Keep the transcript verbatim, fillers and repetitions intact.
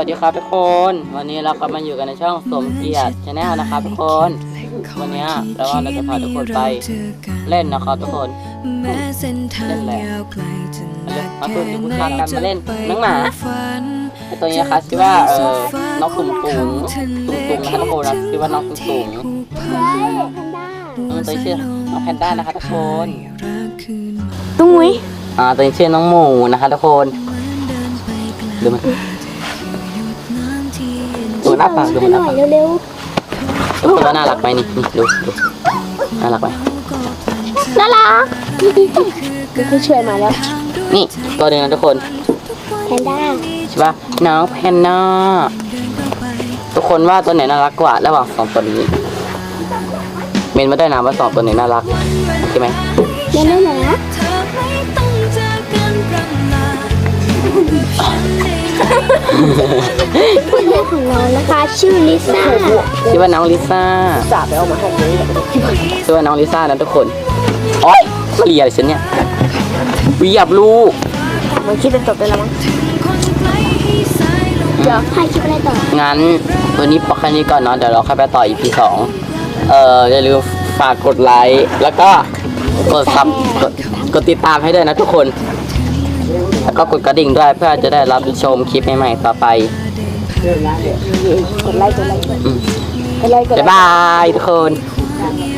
สดีครับทุกคน วันนี้เราก็มาอยู่กันในช่องสมเกียรติชาแนลนะครับทุกคน วันนี้แต่ว่าเราจะพาทุกคนไปเล่นนะครับทุกคนเล่นแหละมาคุยกับคุณพากันมาเล่นน้องหมาตัวนี้นะคะชื่อว่าเออน้องตุ่มตุ่มตุ่มตุ่มนะครับทุกคนนะชื่อว่าน้องตุ่มตุ่มตัวนี้ชื่อน้องแพนด้านะคะทุกคนตุ้งมุ้ยอ่าตัวนี้ชื่อน้องหมูนะคะทุกคนดูมันดูหน้าปากดูหน้าปากเร็วดูว่าน่ารักไหมนี่นี่ดูดูน่ารักไหมน่ารักพี่ช่วยมาแล้วนี่ตัวหนึ่งนะทุกคนแพนด้าใช่ปะน้องแพนด้าทุกคนว่าตัวไหนน่ารักกว่าระหว่างสองตัวนี้เมนมาได้นะว่าสองตัวไหนน่ารักใช่ไหมเมนได้นะคุณแม่ของเรานะคะชื่อลิซ่าชื่อว่าน้องลิซ่าจ่าไปเอามาให้เลยชื่อว่าน้องลิซ่านะทุกคนโอ๊ยมาเรียอะไรฉันเนี่ยวิยับลูกมันคิดจะจบได้แล้วมั้งเดี๋ยวให้คิดอะไรต่องั้นวันนี้พอแค่นี้ก่อนเนาะเดี๋ยวเราค่อยไปต่อ อี พี สองเอ่ออย่าลืมฝากกดไลค์แล้วก็กดซับกดกดติดตามให้ด้วยนะทุกคนแล้วก็กดกระดิ่งด้วยเพื่อจะได้รับชมคลิปใหม่ๆต่อไปกดไลค์กดไลค์กดไลค์กดไลค์บ๊ายบายทุกคน